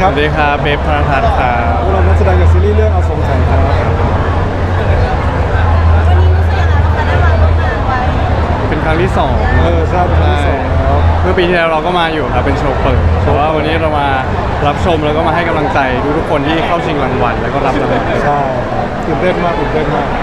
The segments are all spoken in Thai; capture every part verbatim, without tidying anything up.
ครับสวัสดีครับเบฟพรทัศน์ครับพวกเรานักแสดงจากซีรีส์เรื่องอสงไขยครับวันนี้รู้สึกยังไงบ้างคะได้มาร่วมงานไว้เป็นครั้งที่สองเออใช่เป็นครั้งที่สองแล้วเมื่อปีที่แล้วเราก็มาอยู่ครับเป็นโชว์เปิดแต่ว่าวันนี้เรามารับชมแล้วก็มาให้กำลังใจทุกๆคนที่เข้าชิงรางวัลแล้วก็รับรางวัลใช่ครับตื่นเต้นมากตื่นเต้นมาก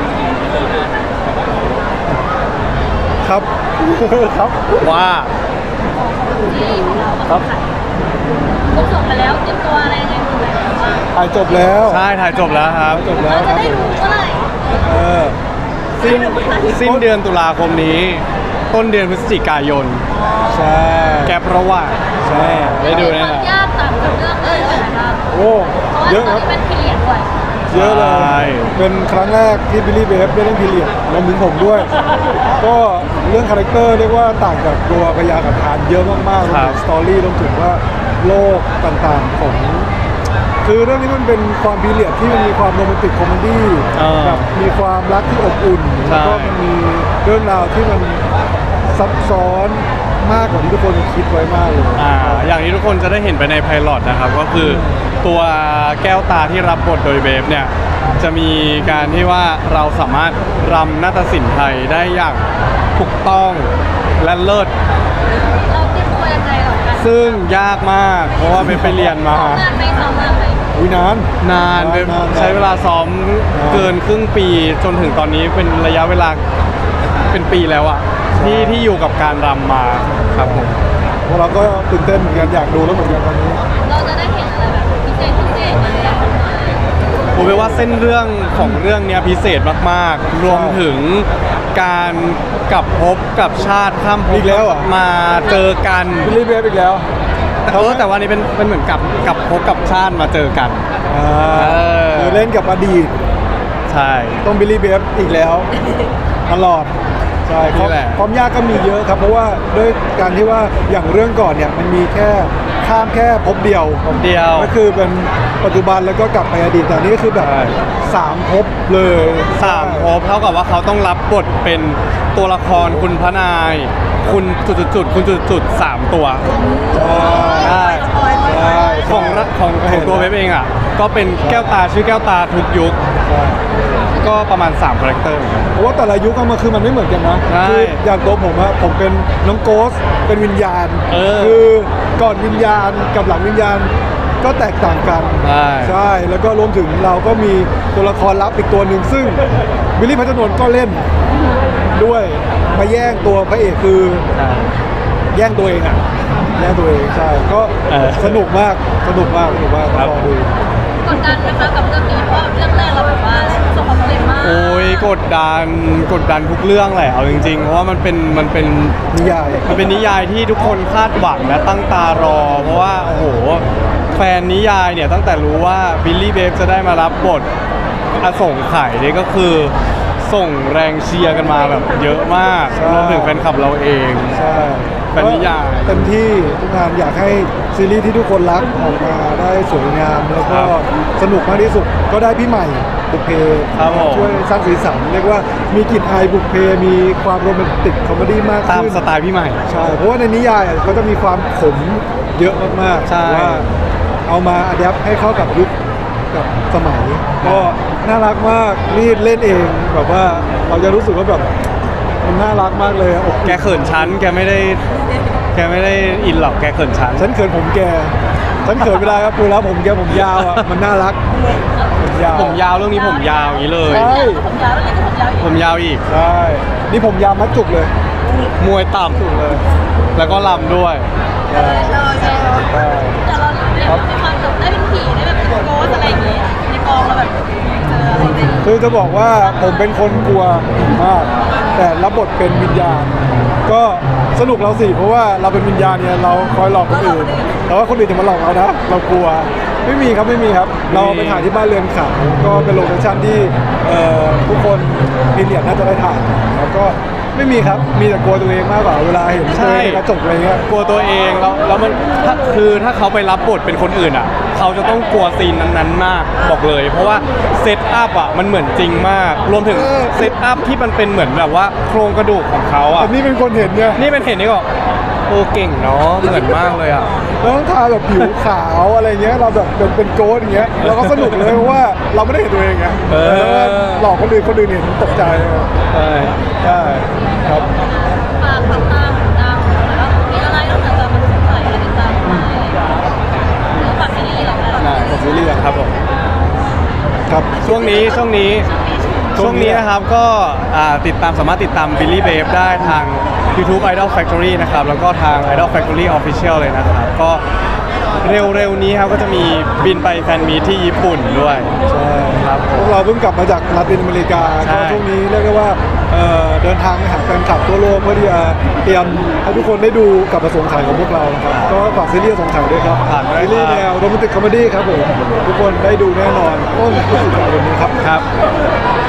ครับ ครับว่าที่ของเราครับผมส่งไปแล้วเตรียมตัวอะไรยังไงอยู่แล้วบ้างถ่ายจบแล้วใช่ถ่ายจบแล้วครับจบแล้เราวคจะรับได้รู้เมื่อไหร่เออสิ้นสิ้นเดือนตุลาคมนี้ ต้นเดือนพฤศจิกายนใช่แกประว่างใช่ได้ดูแน่นอนความยากต่างจากเรื่องอื่นเลยนะคะโอ้เพราะว่าเยอะตคอนรับนี้เป็นพีเรียดด้วยเยอะเลใช่ยเป็นครั้งแรกที่บิลลี่เบฟได้เล่นพีเรียดรวมถึงผมด้วย ก็เรื่องคาแรคเตอร์เรียกว่าต่างจากตัวพยากับทานเยอะมากๆรวมถึงสตอรี่รวมถึงว่าโลกต่างๆของ คือเรื่องนี้มันเป็นความพีเรียดที่มันมีความโรแมนติกคอมเมดี้เออแบบมีความรักที่อบอุ่นใช่แล้วก็มันมีเรื่องราวที่มันซับซ้อนมากกว่าที่ทุกคนคิดไว้มากเลยอ่าอย่างที่ทุกคนจะได้เห็นไปในไพลอตนะครับก็คือตัวแก้วตาที่รับบทโดยเบฟเนี่ยจะมีการที่ว่าเราสามารถรำนาฏศิลป์ไทยได้อย่างถูกต้องและเลิศเราเตรียมตัวยังไงหรอกันซึ่งยากมาก เพราะว่าเบฟไปเรียนมาสองงานไปสองงานไปวินานนานเบฟนานนานใช้เวลาซ้อมเกินครึ่งปีจนถึงตอนนี้เป็นระยะเวลาเป็นปีแล้วอะที่ที่อยู่กับการรำมาครับผมพวกเราก็ตื่นเต้นเหมือนกันอยากดูแล้วเหมือนกันตอนนี้เราจะได้เห็นอะไรแบบพิเศษพิเศษอะไรอย่างเงี้ยผมว่าเส้นเรื่องของเรื่องเนี้ยพิเศษมากๆ รวมถึงการกลับภพกับชาติข้ามภพอีกแล้วเหรอมาเจอกันบิลลี่เบฟอีกแล้วเออแต่ว่านี้เป็นเป็นเหมือนกับกลับภพกับชาติมาเจอกันอ่าเออคือเล่นกับอดีตใช่ต้องบิลลี่เบฟอีกแล้วตลอดใช่ความนี่แหละความยากก็มีเยอะครับ เพราะว่าด้วยการที่ว่าอย่างเรื่องก่อนเนี่ยมันมีแค่ข้ามแค่ภพเดียวผมเดียวก็คือเป็นปัจจุบันแล้วก็กลับไปอดีตแต่อันนี้ก็คือแบบใช่สามภพเลยสามภพเท่ากับว่าเขาต้องรับบทเป็นตัวละครคุณพระนาย คุณจุดๆๆคุณจุดๆสามตัวใช่ใช่ใช่ของระของของตัวเว็บเองอ่ะก็เป็นแก้วตาชื่อแก้วตาทุกยุคใช่ก็ประมาณ3คาแรคเตอร์เหมือนกันเพราะว่าแต่ละยุคอะมันคือมันไม่เหมือนกันนะใช่คืออย่างตัวผมอะผมเป็นน้องโกสเป็นวิญญาณเออคือก่อนวิญญาณกับหลังวิญญาณก็แตกต่างกันใช่ใช่แล้วก็รวมถึงเราก็มีตัวละครลับอีกตัวหนึ่งซึ่งวิลลี่พัชรนนท์ก็เล่นด้วยมาแย่งตัวพระเอกคือใช่แย่งตัวเองอะแย่งตัวเองใช่ก็เออสนุกมากสนุกมากสนุกมากครับลองดูกดดันนะคะกับเรื่องนี้เพราะเรื่องแรกเราแบบว่าประสบความสำเร็จมากโอ้ยกดดันกดดันทุกเรื่องแหละเอาจริงๆ เพราะว่ามันเป็นมันเป็นนิยายมันเป็นนิยายที่ทุกคนคาดหวังและตั้งตารอ เพราะว่าโอ้โหแฟนนิยายเนี่ยตั้งแต่รู้ว่าบิลลี่เบฟจะได้มารับบทอสงไขยเนี่ยก็คือส่งแรงเชียร์กันมาแบบเยอะมากใช่รวมถึงแฟนคลับเราเองใช่เป็นนิยายก็เต็มที่ทุกงานอยากให้ซีรีส์ที่ทุกคนรักออกมาได้สวยงามแล้วก็สนุกมากที่สุดก็ได้พี่ใหม่บุพเพครับผมช่วยสร้างสีสันเรียกว่ามีกลิ่นอายบุพเพมีความโรแมนติกคอมเมดี้มากตามขึ้นสไตล์พี่ใหม่ใช่เพราะว่าในนิยายเขาจะมีความขมเยอะมากๆใช่แต่ว่าเอามาอัดแอปให้เข้ากับยุคกับสมัย ก็น่ารักมากนี่เล่นเองแบบว่าเราจะรู้สึกว่าแบบมันน่ารักมากเลยอะอกแกเขินชั้นแกไม่ได้แกไม่ได้อินหรอกแกเขินชั้นฉันเขินผมแก ฉันเขินเวลาครับดูแล้วผมแกผมยาวอ่ะ มันน่ารัก ผมยาวผมยาวเรื่องนี้ผมยาวอย่างนี้เลยใช่ผมยาวแล้วนี่ก็ผมยาวอีกผมยาวอีกใช่ นี่ผมยาวมัดจุกเลยมวยต่จุกเลยำแล้วก็ลำด้วยใช่ใช่ใช่ใช่แต่เราเนี่ยมีความแบบได้เป็นผีได้แบบเป็นโกสอะไรอย่างเงี้ยในกองเราแบบเจออะไรเนี่ยคือจะบอกว่าผมเป็นคนกลัวมาก แต่รับบทเป็นวิญญาณ ก็สนุกเราสิ เพราะว่าเราเป็นวิญญาณเนี่ยเราคอยหลอกคนอื่น แต่ว่าคนอื่นจะมาหลอกเรานะ เรากลัว ไม่มีครับไม่มีครับ เราไปถ่ายที่บ้านเรือนขาวก็เป็นโลเคชั่นที่เอ่อทุกคนพิเรียดน่าจะได้ถ่ายแล้วก็ไม่มีครับ มีแต่กลัวตัวเองมากกว่าเวลาเห็นตัวเองในกระจกอะไรเงี้ยกลัวตัวเองแล้วแล้วมันถ้าคือถ้าเขาไปรับบทเป็นคนอื่นอ่ะ เขาจะต้องกลัวซีนนั้นๆมากบอกเลย เพราะว่าเซตอัพอ่ะมันเหมือนจริงมาก รวมถึงเออเซตอัพที่มันเป็นเหมือนแบบว่าโครงกระดูกของเขาอ่ะแต่นี่เป็นคนเห็นเนี่ยนี่เป็นเห็นนี่ก็โอ้เก่งเนาะเหมือนมากเลยอ่ะแล้วต้องทาแบบผิวขาวอะไรเงี้ยเราแบบเป็นเป็นโกสอย่างเงี้ยเราก็สนุกเลยเพราะว่าเราไม่ได้เห็นตัวเองไงเออแล้วก็หลอกคนอื่นคนอื่นเห็นตกใจใช่ใช่ครับฝากติดตามตามแล้วมีอะไรนอกจากจะมาสงสัยอะไรติดตามมาอะไรอย่างเงี้ยแล้วฝากซีรีส์เราได้น่ากับซีรีส์อะครับผมครับช่วงนี้ช่วงนี้ช่วงนี้นะครับก็อ่าติดตามสามารถติดตาม Billy Babe ได้ทาง YouTube Idol Factory นะครับแล้วก็ทาง Idol Factory Official เลยนะครับก็เร็วๆนี้ครับก็จะมีบินไปแฟนมีตที่ญี่ปุ่นด้วยใช่ครับผพวมกเราเพิ่งกลับมาจากลาตินอเมริกาใช่ก็ช่วงนี้เรียกได้ว่าเอ่อเดินทางไปหาแฟนคลับทั่วโลกเพื่อที่จะเตรียมให้ทุกคนได้ดูกับประสงค์ขายของพวกเรานะครับก็ฝากซีรีส์สงขายด้วยครับฝากด้วยซีรีส์ครับแนวโรแมนติกคอมเมดี้ครับผมทุกคนได้ดูแน่นอนต้นพฤศจิกายนนี้ครับครับโ